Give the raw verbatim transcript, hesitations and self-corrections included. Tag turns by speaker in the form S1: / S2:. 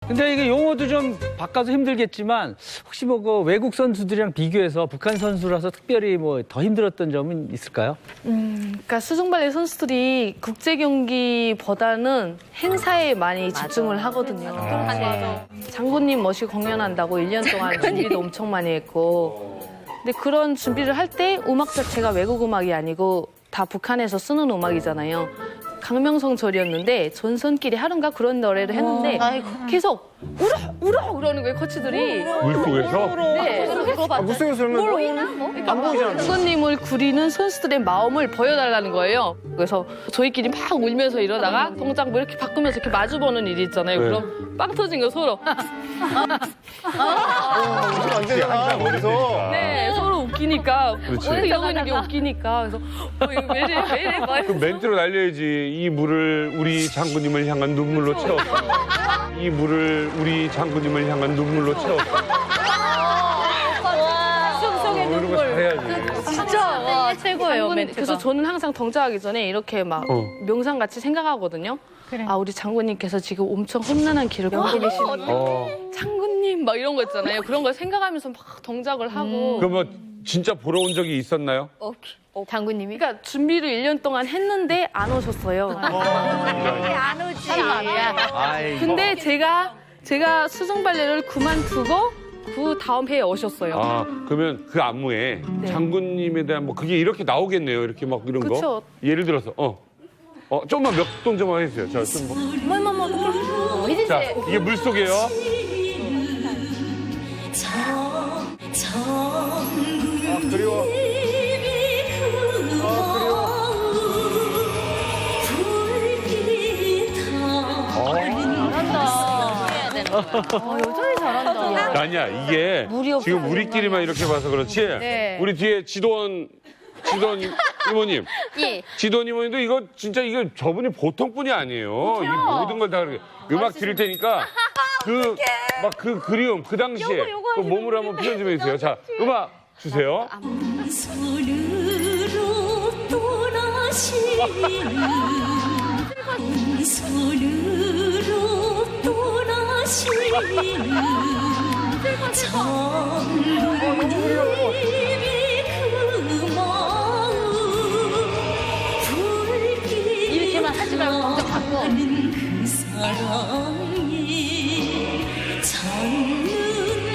S1: 근데 이게 용어도 좀 바꿔서 힘들겠지만 혹시 뭐 그 외국 선수들이랑 비교해서 북한 선수라서 특별히 뭐 더 힘들었던 점은 있을까요?
S2: 음, 그러니까 수중발레 선수들이 국제 경기보다는 행사에 많이 집중을 하거든요.
S3: 맞아.
S2: 장군님 멋이 공연한다고 일 년 동안 준비도 엄청 많이 했고. 근데 그런 준비를 할 때 음악 자체가 외국 음악이 아니고 다 북한에서 쓰는 음악이잖아요. 강명성 절이었는데 전선끼리 하루인가 그런 노래를 했는데 계속 울어 울어 그러는 거예요 코치들이.
S4: 물속에서?
S2: 네.
S3: 아,
S5: 물속에서 설명 안 보이잖아.
S2: 장군님을 구리는 선수들의 마음을 보여달라는 거예요. 그래서 저희끼리 막 울면서 이러다가 동작 뭐 이렇게 바꾸면서 이렇게 마주보는 일이 있잖아요.
S4: 네.
S2: 그럼 빵 터진 거 서로.
S5: 안 되잖아, 거기서.
S2: 네, 서로 웃기니까.
S4: 그렇지.
S2: 왜 이러고 있는 게 웃기니까. 그래서 어, 이거 왜 이래, 왜 이래, 막
S4: 그 멘트로 날려야지. 이 물을 우리 장군님을 향한 눈물로 채웠어. 이 물을 우리 장군님을 향한 눈물로 채웠어.
S3: 속속의
S4: 뭐 이런 거 잘해야지.
S3: 진짜 와 최고예요.
S2: 장군,
S3: 멘트가.
S2: 그래서 저는 항상 동작하기 전에 이렇게 막
S4: 어.
S2: 명상같이 생각하거든요. 아, 우리 장군님께서 지금 엄청 험난한 길을 걷고 계시는
S4: 어.
S2: 장군님 막 이런 거 있잖아요. 그런 걸 생각하면서 막 동작을 하고.
S4: 그럼 뭐 진짜 보러 온 적이 있었나요?
S3: 어, 장군님이
S2: 그러니까 준비를 일 년 동안 했는데 안 오셨어요.
S3: 안 오지.
S1: 아이,
S2: 근데 제가 제가 수중 발레를 그만두고 그 다음 해에 오셨어요.
S4: 아, 그러면 그 안무에
S2: 네.
S4: 장군님에 대한 뭐 그게 이렇게 나오겠네요. 이렇게 막 이런 거.
S2: 그쵸.
S4: 예를 들어서 어. 어, 좀만 몇 동작만 해주세요. 자, 좀 뭐.
S3: 뭐뭐뭐 혜진
S4: 자,
S3: 씨.
S4: 이게 물속이에요.
S5: 아, 그리워. 아, 그리워.
S3: 어, 여전히 잘한다.
S4: 아니야, 이게
S3: 물이 없어요,
S4: 지금 우리끼리만 이렇게 봐서 그렇지.
S3: 네.
S4: 우리 뒤에 지도원, 지도원 이모님.
S3: 예.
S4: 지도원 이모님도 이거 진짜 이거 저분이 보통 분이 아니에요. 이 모든 걸 다 그렇게. 음악 드릴 테니까 그, 막 그 그리움, 그 당시에 그 몸으로 한번 표현 좀 해주세요. 자, 음악 주세요.
S6: 손으로 떠나시는 손으로 떠나시는 장군님의 그 마음 붉게
S3: 이렇게만 하지 말고 동작 바꿔.
S6: 그 사랑이 찾는